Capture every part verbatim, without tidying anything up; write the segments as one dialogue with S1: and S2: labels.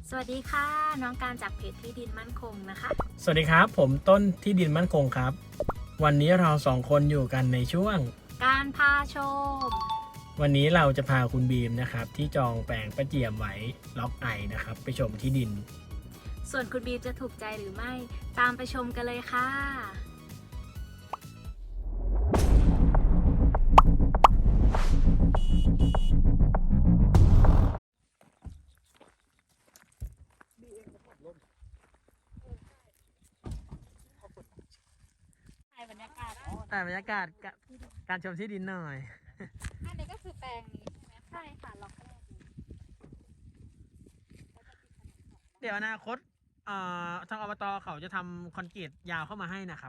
S1: สวัสดีค่ะน้องการจากเพจที่ดินมั่นคงนะคะ
S2: สวัสดีครับผมต้นที่ดินมั่นคงครับวันนี้เราสองคนอยู่กันในช่วง
S1: การพาชม
S2: วันนี้เราจะพาคุณบีมนะครับที่จองแปลงประเจียมไว้ล็อกไอนะครับไปชมที่ดิน
S1: ส่วนคุณบีมจะถูกใจหรือไม่ตามไปชมกันเลยค่ะถ่ายบรรยากาศ
S2: แต่บรรยากาศการชมที่ดินหน่อย
S1: อันนี้ก็คือแปลงนี้ใช่ไหมใช่ค่ะล็อกแรก
S2: เดี๋ยวอนาคตเอ่อทางอบตเขาจะทำคอนกรีตยาวเข้ามาให้นะครับ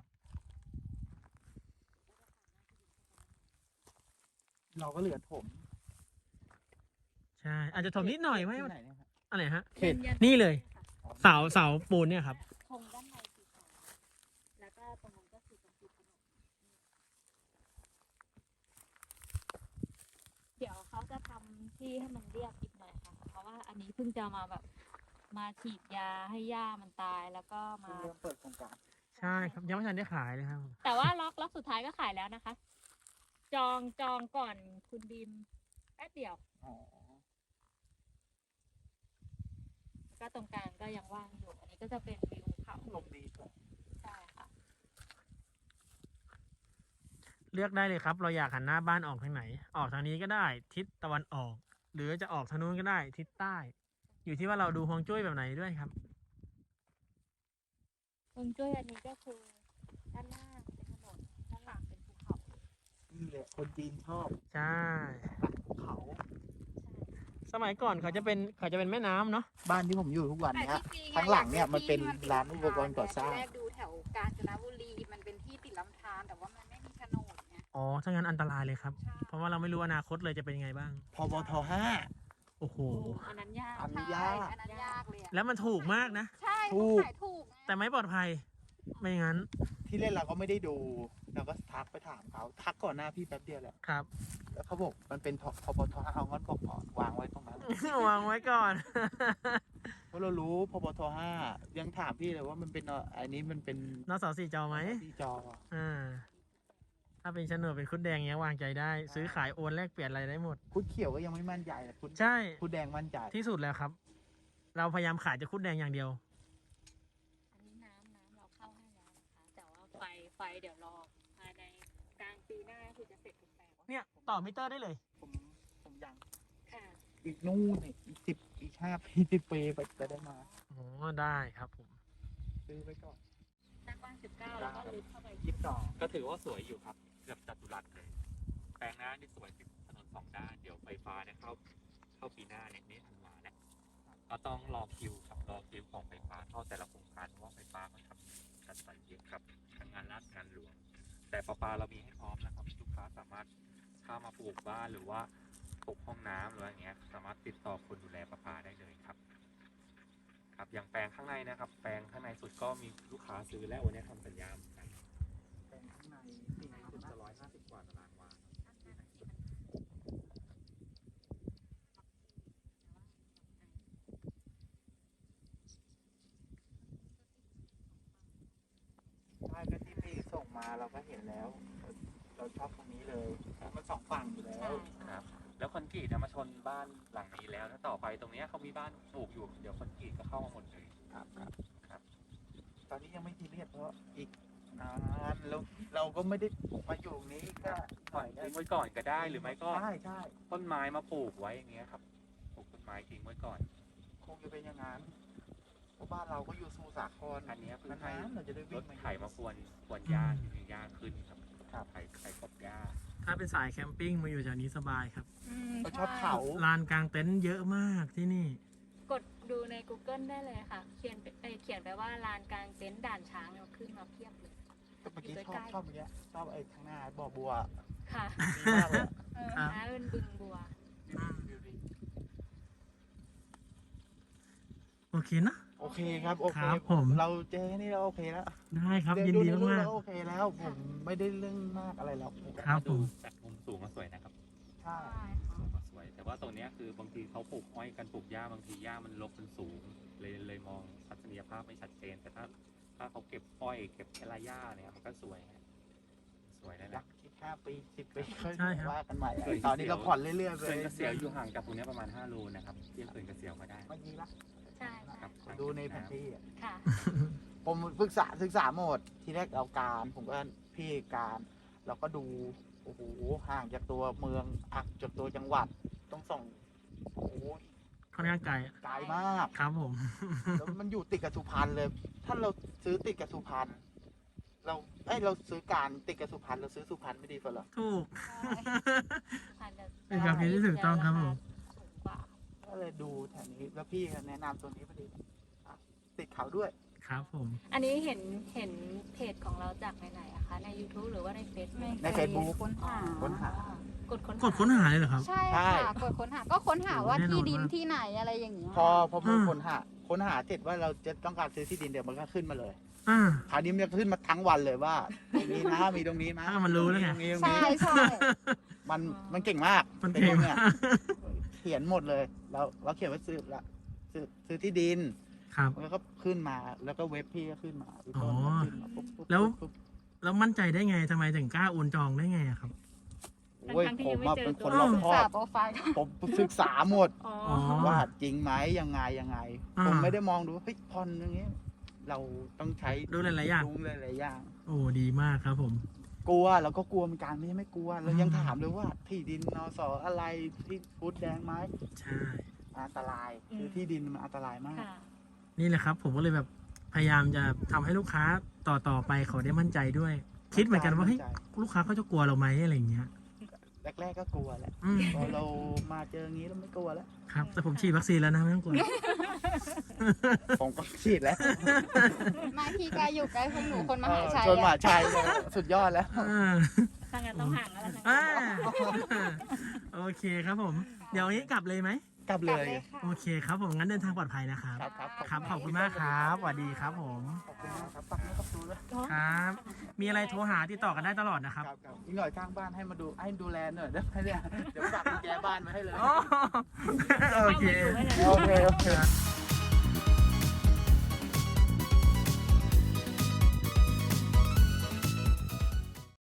S3: เราก็เหลือถม
S2: ใช่อาจจะถมนิดหน่อยไหม
S3: ที่ไหนเนี่ยครับ
S2: อะไรฮะ
S3: เขต
S2: นี่เลยเสาเสาปูนเนี่ยครับ
S1: ธงด้านในสีขาวแล้วก็ตรงนั้นก็คือตรงจุดถนนเดี๋ยวเขาจะทำที่ให้มันเรียบอีกหน่อยค่ะเพราะว่าอันนี้เพิ่งจะมาแบบมาฉีดยาให้หญ้ามันตายแล้วก็มา
S3: เริ่มเปิดโครงการ
S2: ใช่ครับยังไม่ทันได้ขายเลยครับ
S1: แต่ว่าล็อกล็อกสุดท้ายก็ขายแล้วนะคะ จองจองก่อนคุณบีมแป๊บเดียว
S3: อ๋อ
S1: ก็ตรงกลางก็ยังว่างอยู่ อันนี้ก็จะเป็นวิวเขา
S3: ลมดีกว่า
S1: ใช่ค่ะ
S2: เลือกได้เลยครับเราอยากหันหน้าบ้านออกทางไหนออกทางนี้ก็ได้ทิศตะวันออก หรือจะออกทางนู้นก็ได้ทิศใต้ อยู่ที่ว่าเราดูฮวงจุ้ยแบบไหนด้วยครับ
S1: ตรงจุ้ยอันนี้ก็คือด้านหน้าเป็นถนนด้านหลังเป็นภูเขา
S3: นี่แหละคนจีนชอบ
S2: ใช่
S3: ภูเขา
S2: สมัยก่อนเขาจะเป็นเขาจะเป็นแม่น้ำเนาะ
S3: บ้านที่ผมอยู่ทุกวัน
S1: แต่
S3: เนี้ย
S1: ที่จริง
S3: ข้างหลังเนี่ยมันเป็นร้านอุปกรณ์ก่อสร้าง
S1: แรกดูแถวกาญจนบุรีมันเป็นที่ติดลำธารแต่ว่ามันไม่มีโฉนดไง
S2: อ๋อถ้างั้นอันตรายเลยครับ
S1: ใช่
S2: เพราะว่าเราไม่รู้อนาคตเลยจะเป็นยังไงบ้าง
S3: พบทห้า
S2: โอ้โห
S1: อันนั้นยาก
S3: อันนี้ยาก
S1: ใช่อันนั้นยากเลยอะ
S2: แล้วมันถูกมากนะ
S1: ใช่
S3: ถู
S1: เขา
S3: ก
S1: ขายถูกไง
S2: แต่ไม่ปลอดภัยไม่งั้น
S3: ที่เล่นเราก็ไม่ได้ดู เราก็ทักไปถามเขา ทักก่อนหน้าพี่แป๊บเดียวแหละ
S2: ครับ
S3: แล้วเขาบอกมันเป็นพบทห้าเอางั้นบอกก่อนวางไว้ตรงนั้น
S2: วางไว้ก่อน
S3: เพราะเรารู้พบทห้ายังถามพี่เลยว่ามันเป็นอะอันนี้มันเป็น
S2: นสสี่จอไหม
S3: ที่จอ
S2: อ่าถ้าเป็นโฉนดเป็นคุดแดงเนี้ยวางใจได้ ซื้อขายโอนแลกเปลี่ยนอะไรได้หมด
S3: คุดเขียวก็ยังไม่มั่นใจเลยคุด
S2: ใช่
S3: คุดแดงมั่นใจ
S2: ที่สุดแล้วครับ เราพยายามขายจะคุดแดงอย่างเดียว
S1: อันนี้น้ำน้ำเราเข้าให้แล้วนะคะ แต่ว่าไฟไฟเดี๋ยวรอภายในกลางปีหน้าคือจะเสร็จทุกแปลง
S2: เนี่ยต่อมิเตอร์ได้เลย
S3: ผมผมยัง
S1: ค่ะ
S3: อีกนู่นอีกสิบอีกห้าปีสิบปีไปจะได้มา
S2: อ๋อได้ครับผม
S3: ซื้อไว้ก่อน
S1: หน้ากว้างสิบเก้าแล้วก็ลึกเข้าไป
S3: ยี่สิบสอง
S4: ก็ถือว่าสวยอยู่ครับเกือบจัตุรัสเลย แปลงหน้านี่สวยติดถนนสองด้าน เดี๋ยวไฟฟ้าเนี่ยเข้าเข้าปีหน้าเนี่ยนี่ธันวาเนี่ยก็ต้องรอคิวครับรอคิวของไฟฟ้าเข้าแต่ละโครงการเพราะว่าไฟฟ้าเขาทำกันไปเยอะครับทั้งงานรัฐงานหลวง แต่ประปาเรามีให้พร้อมนะครับลูกค้าสามารถเข้ามาปลูกบ้านหรือว่าปลูกห้องน้ำหรืออะไรเงี้ยสามารถติดต่อคนดูแลประปาได้เลยครับ ครับอย่างแปลงข้างในนะครับ แปลงข้างในสุดก็มีลูกค้าซื้อแล้ววันนี้ทำสัญญาเหมือนกัน
S3: แปลงข้างในสี่
S4: ถึ
S3: สิ
S4: ง
S3: บ
S4: จะร้อยห้าสิบกว่าตารางวา
S3: ใช่ก็ที่พี่ส่งมาเราก็เห็นแล้ว เราชอบตรงนี้เลยมันสองฝั่งอยู่แล้ว
S4: ครับแล้วคอนกรีตเนี่ยมาชนบ้านหลังนี้แล้วถ้าต่อไปตรงเนี้ยเขามีบ้านปลูกอยู่เดี๋ยวคอนกรีตก็เข้ามาหมดเลย
S3: ครับครับ
S4: ครับ
S3: ตอนนี้ยังไม่ทีเรียสเพราะอีกนานแล้วเราก็ไม่ได้มาอยู่ตรงนี้ก็หน่อย
S4: ทิ้งไว้ก่อนก็ได้หรือไม่ก็
S3: ใช่ใช่
S4: ต้นไม้มาปลูกไว้อย่างเงี้ยครับปลูกต้นไม้ทิ้งไว้ก่อน
S3: คงจะเป็นอย่างนั้นเพราะบ้านเราก็อยู่สมุทรสาคร
S4: อันเนี้ยคือให้
S3: นานๆเราจะได้
S4: ร
S3: วิ่ง
S4: ถ
S3: มา
S4: ไถมาควนควนหญ้าที่มีหญ้าขึ้นครับ
S3: ครับ
S4: ไถไถกบหญ้า
S2: ถ้าเป็นสายแคมปิ้งมาอยู่แถวนี้สบายครับ
S3: เราชอบเขา
S2: ลานกลางเต็นท์เยอะมากที่นี่
S1: กดดูใน Google ได้เลยค่ะ เขียนไปเอ้ยเขียนไปว่าลานกลางเต็นท์ด่านช้างเราขึ้นมาเพียบเลย
S3: แต่เมื่อกี้ชอบชอบเมื่อกี้ชอบไอ้ข้างหน้าบ่อบัว
S1: ค่ะ
S3: ดีมากเลย
S1: เออ
S2: ครับ
S1: น้าเป็นบึงบัว
S3: วิวดี
S2: โอเคนะ
S3: โอเคครับโอเค
S2: ครับผม
S3: เราเจอแค่นี้เราโอเคแล้ว
S2: ได้ครับ
S3: เว
S2: ยิน
S3: ดู
S2: ดี
S3: ในรูป
S2: มาก
S3: เราโอเคแล้ว ผมไม่ได้เรื่องมากอะไรแล้ว
S2: ๆครับผ
S4: ดู
S2: ม
S4: จากมุมสูงก็สวยนะครับ
S3: ใช่
S1: ใช่ค่ะ
S4: ก็สวย แต่ว่าตรงเนี้ยคือบางทีเขาปลูกอ้อยกันปลูกหญ้าบางทีหญ้ามันรกมันสูงเลยเลยมองทัศนียภาพไม่ชัดเจน แต่ถ้าถ้าเขาเก็บอ้อยเก็บแคลาย่าเนี่ยมันก็สวยฮะสวยนั่นแห
S3: รั
S4: ละ
S3: กคิดห้าปีสิบปีค่อย
S2: ใช่ครับ
S3: ว่ากันใหม่
S4: เคย
S3: ตอนนี้เราผ่อนเรื่อยๆไป
S4: เขื่อนเกษียวอยู่ห่างจากตรงเนี้ยประมาณห้าโลนะครับเทียบเขื่อนเกษียวมาได้
S3: เมื่อกี้ละ
S1: ใช่ใช่
S4: ครับ
S3: ดูในแผนที่อะ
S1: ค่ะ
S3: ผมศึกษาศึกษาหมดทีแรกเอาการผมก็พี่การเราก็ดูโอ้โหห่างจากตัวเมืองอักจากตัวจังหวัดต้องส่องโอ้โห
S2: ค่อนข้างไกลอะ
S3: ไกลมาก
S2: ครับผม
S3: แล้วมันอยู่ติดกับสุพรรณเลย ถ้าเราซื้อติดกับสุพรรณเราเอ้ยเราซื้อการติดกับสุพรรณเราซื้อสุพรรณไม่ดีกว่าเหรอ
S2: ถูก
S1: พันจะ
S2: เป็นความคิดที่ถูกต้องครับผม
S1: สูงกว่า
S3: ก็เลยดูแถวนี้แล้วพี่ก็แนะนำตัวนี้พอดีอ่ะติดเขาด้วย
S2: ครับผม
S1: อันนี้เห็นเห็นเพจของเราจากไหนๆอะคะ ใน YouTube หรือว่าใน Facebook
S3: ใน Facebook
S5: ค้นหา
S3: ค้นหา
S1: กดค้น
S2: กดค้นหาเลยเหรอครับ
S5: ใช่
S3: ใช่
S5: ค่ะกดค้นหาก็ค้นหาว่า
S2: แน่นอน
S5: ที่ดิน
S2: มาก
S5: ที่ไหนอะไรอย่างเงี้ย
S3: พอพอ
S2: อืม
S3: ค้นหาค้นหาเสร็จว่าเราจะต้องการซื้อที่ดินเดี๋ยวมันก็ขึ้นมาเลย
S2: อ่า
S3: คราวนี้มันจะขึ้นมาทั้งวันเลยว่าตรงนี้นะมีตรงนี้นะ
S2: อ่ามันรู้แล้วไง
S3: ตรงนี้ตรง
S5: ใช่
S3: นี้
S5: ใช่
S3: มันมันเก่งมาก
S2: มัน
S3: เป็น
S2: เก่ง
S3: เนี่ย
S2: มาก
S3: เขียนหมดเลยเราเราเขียนว่าซื้อละซื้อซื้อที่ดิน
S2: ครับ
S3: มันก็ขึ้นมาแล้วก็เว็บพี่ก็ขึ้นมาอีก
S2: อ๋
S3: ต้
S2: อ
S3: นก็ขึ้นมาปุ๊บปุ๊บ
S2: แล้ว
S3: ปุ๊บ
S2: แล้วมั่นใจได้ไงทำไมถึงกล้าโอนจองได้ไงอะครับ
S3: โอ้ย
S1: ทั้งๆที่
S3: ผ
S1: ยั
S3: ม
S1: งไม่
S3: อะ
S1: เจอ
S3: เป็นคน
S1: ตัว
S3: รอบ
S5: ศึก
S3: คอ
S5: ษา
S3: บ
S5: โปรไฟล์
S3: ผมศึกษาหมด
S1: อ๋อ
S2: อ๋อ
S3: ว่าจริงไหมยังไงยังไง
S2: อ่า
S3: ผมไม่ได้มองดูว่าเฮ้ยพรอย่างเงี้ยเราต้องใช้
S2: ดูหลายๆอย่าง
S3: ดูหลายๆอย่าง
S2: โอ้ดีมากครับผม
S3: กลัวเราก็กลัวเหมือนกันไม่ใช่ไม่กลัวเรายัง
S2: อืม
S3: ถามเลยว่าที่ดินนสอะไรที่ฟุตแดงไหม
S2: ใช่
S3: อันตรายคือที่ดินมันอันตรายมาก
S1: ค่ะ
S2: นี่แหละครับ ผมก็เลยแบบพยายามจะทำให้ลูกค้าต่อต่อไปเขาได้มั่นใจด้วย คิดเหมือนกันว่าเฮ้ยลูกค้าเขาจะกลัวเราไหมอะไรอย่างเงี้ย
S3: แรกๆก็กลัวแหละ
S2: อืม
S3: พอเรามาเจออย่างนี้เราไม่กลัวแล้ว
S2: ครับ แต่ผมฉีดวัคซีนแล้วนะไม่ต้องกลัว
S3: ผมก็ฉีดแล้ว
S5: มาที่ใกล้อยู่ใกล้พวกหนูคนมหา
S3: เออ
S5: ชัย
S3: ชนมหา
S5: อะ
S3: ชัยเลยสุดยอดแล้ว
S2: อ่า
S1: ถ้างั้นต้องห่างแล้วล่ะ
S2: อ่าโอเคครับผม เดี๋ยวนี้กลับเลยไหม
S3: กลับ
S5: ก
S3: เล
S5: ลับ
S3: ย
S5: เลยค่ะ
S2: โอเคครับผมงั้นเดินทางปลอดภัยนะครับ
S3: ครับครับ
S2: ครับขอบคุณมากครับสวัสดีครับผม
S3: ขอบคุณมากครับปักไม่ต้องดูเลย
S2: ครับ มีอะไรโทรหาติดต่อกันได้ตลอดนะครับ
S3: ครับครับอีกหน่อยข้างบ้านให้มาดูให้ดูแลหน่อยได้ไหมเนี่ยเดี๋ยวฝากกุญแจบ้านมาให้เลย
S2: โอเค
S3: โอเคโอเค